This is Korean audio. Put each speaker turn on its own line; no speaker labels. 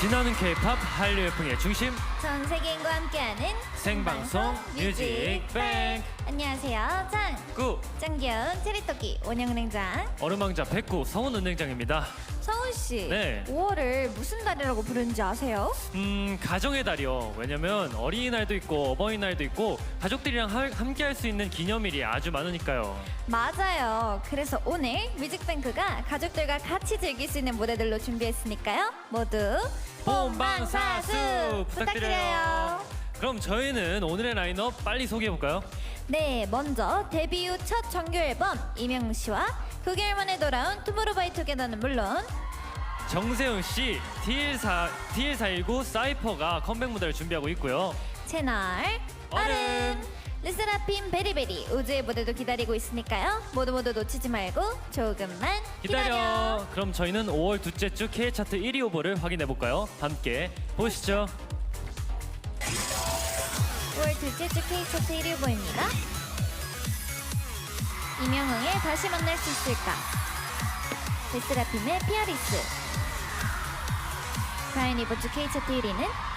신나는 K-팝 한류 열풍의 중심
전 세계인과 함께하는
생방송 뮤직뱅크.
안녕하세요.
꾸
짱귀여운 체리토끼 원영은행장
얼음왕자 백구 성훈은행장입니다.
성훈씨,
네.
5월을 무슨 달이라고 부르는지 아세요?
가정의 달이요. 왜냐면 어린이날도 있고 어버이날도 있고 가족들이랑 함께 할 수 있는 기념일이 아주 많으니까요.
맞아요. 그래서 오늘 뮤직뱅크가 가족들과 같이 즐길 수 있는 무대들로 준비했으니까요. 모두 본방사수 부탁드려요.
그럼 저희는 오늘의 라인업 빨리 소개해볼까요?
네, 먼저 데뷔 후 첫 정규 앨범 이명웅 씨와 9개월 만에 돌아온 투모로우바이투게더는 물론
정세훈씨, TL419 사이퍼가 컴백 무대를 준비하고 있고요.
채널 얼음 르세라핌 베리베리 우주의 무대도 기다리고 있으니까요. 모두 놓치지 말고 조금만 기다려.
그럼 저희는 5월 둘째 주 K차트 1위 후보를 확인해볼까요? 함께 보시죠.
5월 둘째 주 K차트 1위 후보입니다. 이명웅의 다시 만날 수 있을까, 르세라핌의 피아리스. 과연 이번 주 K차트 1위는